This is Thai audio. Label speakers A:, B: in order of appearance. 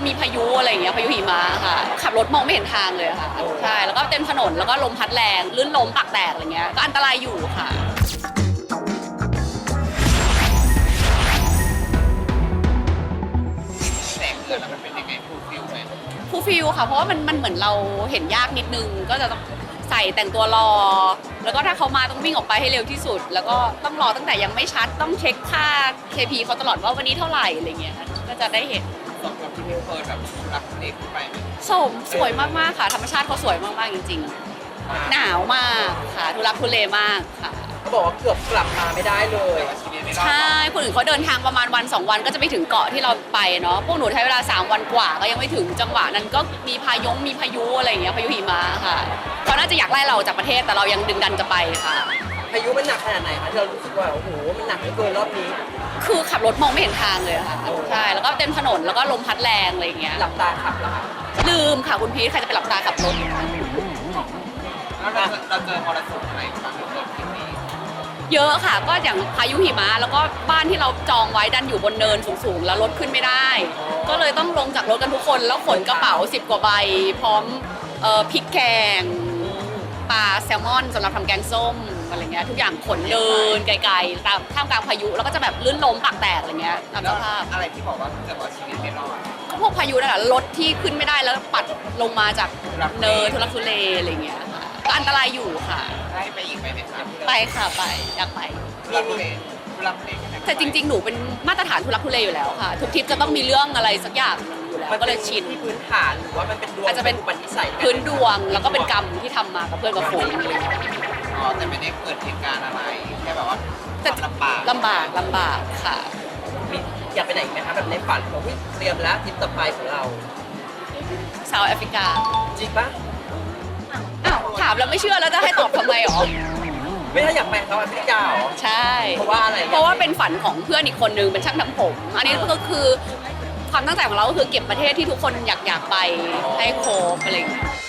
A: มีพายุอะไรอย่างเงี้ยพายุหิมะค่ะขับรถมองไม่เห็นทางเลยค่ะใช่แล้วก็เต็มถนนแล้วก็ลมพัดแรงลื่นล้มปากแตกอะไรเงี้ยก็อันตรายอยู่ค่ะ
B: แสงเกิดแล้วมันเป็นยังไงฟูลฟิลไหม
A: ฟูลฟิลค่ะเพราะว่ามันเหมือนเราเห็นยากนิดนึงก็จะต้องใส่แต่งตัวรอแล้วก็ถ้าเขามาต้องวิ่งออกไปให้เร็วที่สุดแล้วก็ต้องรอตั้งแต่ยังไม่ชัดต้องเช็คค่า KP เขาตลอดว่าวันนี้เท่าไหร่อะไรเงี้ยก็จะได้เห็น
B: สมกับที่มิวเคยแบบรักเด็กไปไหม
A: สวยมากๆค่ะธรรมชาติเขาสวยมากๆจริงๆหนาวมากค่ะทุรักทุเลมากค่ะ
C: เขาบอกว่าเกือบกลับมาไม่ได้เลย
A: ใช่คนอื่นเขาเดินทางประมาณวัน2 วันก็จะไปถึงเกาะที่เราไปเนาะพวกหนูใช้เวลา3 วันกว่าก็ยังไม่ถึงจังหวะนั้นก็มีพายุอะไรอย่างเงี้ยพายุหิมะค่ะเขาน่าจะอยากไล่เราจากประเทศแต่เรายังดึงดันจะไปค่ะ
C: พายุมันหนักขนาดไหนคะที่เรารู้สึกว่าโอ้โหมันหนักเหลือเกินรอบนี้
A: คือขับรถมองไม่เห็นทางเลยค่ะใช่แล้วก็เต็มถนนแล้วก็ลมพัดแรงอะไรอย่างเงี้ย
C: หลับตาขับเหรอคะ
A: ลืมค่ะคุณพีทใครจะไปหลับตาขับรถ
B: แล้วเราเจอมรสุมอะไรบ้างในทริปนี้
A: เยอะค่ะก็อย่างพายุหิมะแล้วก็บ้านที่เราจองไว้ดันอยู่บนเนินสูงๆแล้วรถขึ้นไม่ได้ก็เลยต้องลงจากรถกันทุกคนแล้วขนกระเป๋า10 กว่าใบพร้อมพริกแกงปลาแซลมอนสำหรับทำแกงส้มอะไรเงี้ยทุกอย่างขนเดินไกลๆตามท่ามกลางพายุแล้วก็จะแบบลื่นล้มปากแตกอะไรเงี้ยตามสภาพ
B: อะไรที่บอกว่าเกิดว่าชีวิตไม่รอด
A: ก็พวกพายุนั่นแหละรถที่ขึ้นไม่ได้แล้วปัดลงมาจากเนินทุลักทุเลอะไรเงี้ยค่ะก็อันตรายอยู่ค่ะ
B: ได้ไปอีกไหมคะ
A: ไปค่ะไปอยากไป
B: ทุลักทุเล
A: แต่จริงๆหนูเป็นมาตรฐานทุลักทุเลอยู่แล้วค่ะทุกทริปจะต้องมีเรื่องอะไรสักอย่างอยู่แล้วก็เลยชิน
C: ที่พื้นฐานหรือว่ามันเป็นดวง
A: อาจจะเป็น
C: อุปนิสัย
A: พื้นดวงแล้วก็เป็นกรรมที่ทำมากับเพื่อนกับฝูง
B: อ๋อแต่ไม่ได้เกิดเหตุการณ์อะไรแค่แบบว่าลำ
A: บากค่ะ
C: มีอยากไปไหนอีกไหมคะแบบในฝันของพี่เตรียมแล้วทริปต่อไปของเรา
A: เซาท์แอฟริกา
C: จริงปะ
A: อ้าวถามแล้วไม่เชื่อแล้วจะให้ตอบทำไมหรอ
C: ไม่ถ้าอยากไปเซาท์แอฟริกาหรอ
A: ใช่
C: เพราะว่าอะไร
A: เพราะว่าเป็นฝันของเพื่อนอีกคนนึงเป็นช่างทำผมอันนี้ก็คือความตั้งใจของเราก็คือเก็บประเทศที่ทุกคนอยากไปให้ครบอะไรอย่างเงี้ย